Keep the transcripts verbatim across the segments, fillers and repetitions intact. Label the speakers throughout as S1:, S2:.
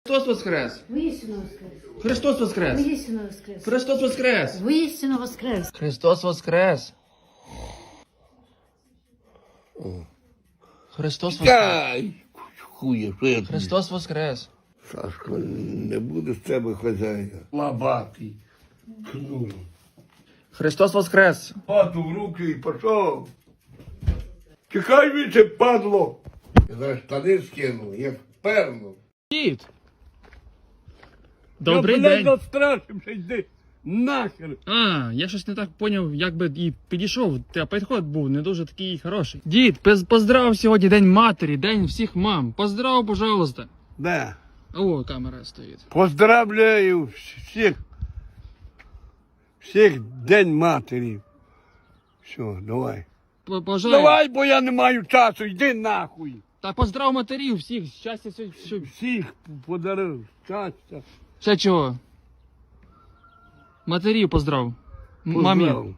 S1: Христос воскрес!
S2: Воістину воскрес!
S1: Христос воскрес!
S2: Воістину воскрес!
S1: Христос воскрес!
S2: Воістину воскрес!
S1: Христос воскрес! Христос воскрес!
S3: Ай, хує, що я тобі?
S1: Христос воскрес!
S3: Сашко, не буде з тебе хазяїна. Лабатий. Ну.
S1: Христос воскрес!
S3: Пату в руки і пішов. Чекай віче, падло. Я зараз штани скину, як перну.
S1: Дід! Добрий
S3: я,
S1: день!
S3: Я настрашився, йди нахер.
S1: А, я щось не так поняв, як би і підійшов, та підход був не дуже такий хороший. Дід, пез- поздрав сьогодні День матері, День всіх мам. Поздрав, пожалуйста.
S3: Да.
S1: О, камера стоїть.
S3: Поздравляю всіх. Всіх День матері. Все, давай.
S1: П- Пожалуйста.
S3: Давай, бо я не маю часу, йди нахуй.
S1: Та поздрав матерів всіх, щастя, все, все.
S3: Всіх подарив, щастя.
S1: Ще чого? Матерів поздрав. М- Мамі.
S3: Поздрав.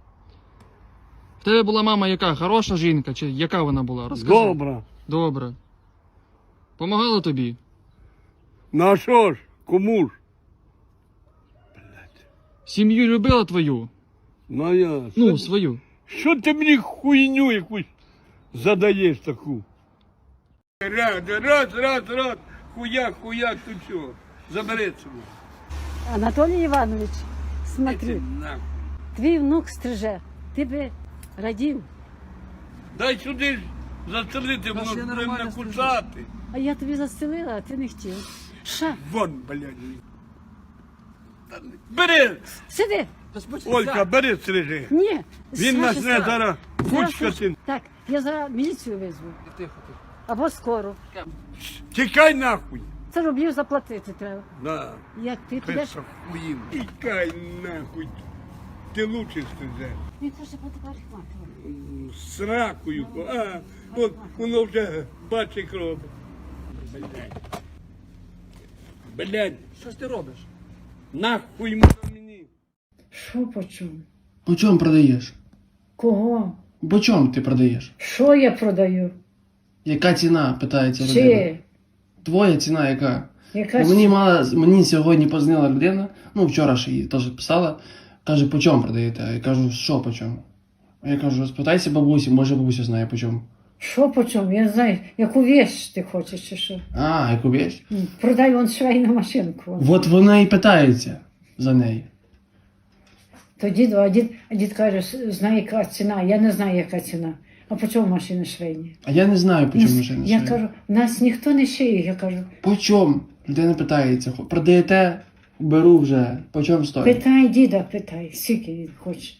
S1: В тебе була мама яка? Хороша жінка? Чи яка вона була? Розкажи.
S3: Добре.
S1: Добре. Помагала тобі?
S3: Ну а що ж, кому ж?
S1: Сім'ю любила твою?
S3: Ну я.
S1: Ну,
S3: що,
S1: свою.
S3: що ти мені хуйню якусь задаєш таку? Раз, раз, раз, раз, хуяк, хуяк, тут що? Забери цього.
S2: Анатолій Іванович,
S3: Іди
S2: смотри,
S3: нахуй.
S2: твій внук стриже, ти би радів,
S3: Дай сюди ж застрелити, воно ж буде мене кусати.
S2: а я тобі застелила, а ти не хотів. Ша,
S3: Вон, блядь. Та не- Бери!
S2: сиди!
S3: Олька, бери стрижи.
S2: Ні,
S3: Він
S2: Саша,
S3: нас не
S2: Саша.
S3: зараз
S2: Зараз
S3: кучкати.
S2: Так, я зараз міліцію визву.
S1: Тихо, тихо.
S2: Або скоро.
S3: Тікай нахуй.
S2: Це рублів заплатити треба.
S3: Да.
S2: Як ти підеш?
S3: Писа хуїн. Тікай нахуй. Ти лучше стрижеш.
S2: Він хоче фотографувати.
S3: Сракою. А, вон, воно вже бачить кров. Блядь. Блядь,
S1: Що ж ти робиш?
S3: нахуй воно мені.
S2: Що по чому?
S1: По чому продаєш?
S2: Кого?
S1: По чому ти продаєш?
S2: Що я продаю?
S1: Яка ціна, питається людина?
S2: Чи?
S1: Твоя ціна яка?
S2: Яка
S1: Бо мені мала, мені сьогодні позвонила людина, ну вчора ж її теж писала, каже, по чому продаєте? Я кажу, що по чому? А я кажу, спитайся бабусі, може бабуся знає по чому.
S2: Що по чому? Я не знаю, яку вещь ти хочеш чи що?
S1: А, яку вещь?
S2: М, Продай вон швейну машинку.
S1: От вона і питається за неї.
S2: То дід, а дід, а дід каже, «С- знає, яка ціна. Я не знаю, яка ціна. А по чому машини швейні?
S1: А я не знаю, по чому машина.
S2: Я
S1: шиє.
S2: кажу, нас ніхто не шиє. Я кажу,
S1: По чому? Людина питається, «Хо- продаєте? Беру вже. По чому стоїть?
S2: питай діда, питай, скільки він хоче.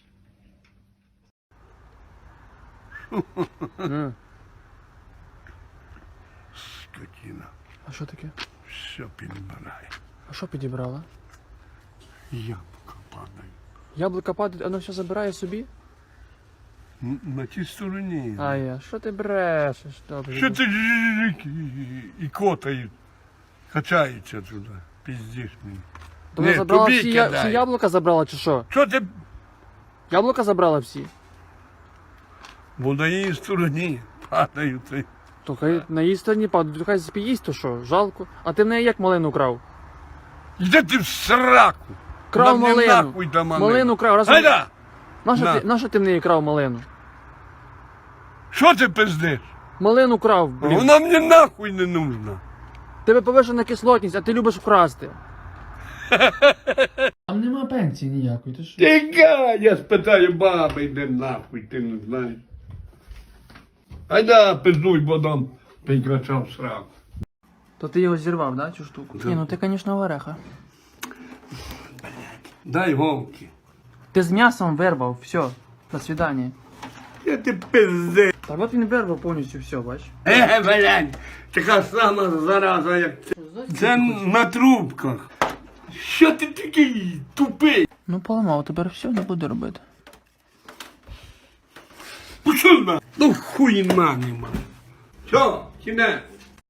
S3: Скотина.
S1: А що таке?
S3: Все підбирає.
S1: А що підібрала?
S3: Яблука падає.
S1: Яблука падає, воно все забирає собі?
S3: Н- На тій стороні.
S1: А я, що ти брешеш? Добре.
S3: Що ти жик і, і котають? Качаються туди. Піздиш мені.
S1: То вона
S3: Ні,
S1: забрала
S3: тобі
S1: всі, я,
S3: кидай.
S1: всі яблука забрала чи що?
S3: Що ти?
S1: Яблука забрала всі?
S3: Бо на її стороні падають. Ти.
S1: То хай на її стороні падають, то хай спіїсть, то що, жалко. А ти в неї як малину крав?
S3: Йди ти в сраку.
S1: Крав
S3: Нам не
S1: малину.
S3: нахуй та малину.
S1: Малину крав. Разом...
S3: Гайда!
S1: Нащо
S3: На.
S1: ти, нащо ти в неї крав малину?
S3: Що ти пиздиш?
S1: Малину крав, блін.
S3: Вона мені нахуй не нужна.
S1: Тебе повишена кислотність, а ти любиш вкрасти. Там нема пенсії ніякої, ти що?
S3: Тікай, я спитаю баби, йде нахуй, ти не знаєш. Айда, пиздуй, бо дам прикрачав сраку.
S1: То ти його зірвав, да, цю штуку? Ні, ну ти, звісно, вареха.
S3: Дай голки.
S1: Ти з м'ясом вирвав, все, до свидання.
S3: Я ти пизди.
S1: Так от він вирвав повністю все, бач.
S3: Е, блядь, така сама зараза, як це. Це на трубках. Що ти такий тупий?
S1: Ну поламав, тепер все не буде робити.
S3: Пішов на. Ну хуйна нема. Що, кінець?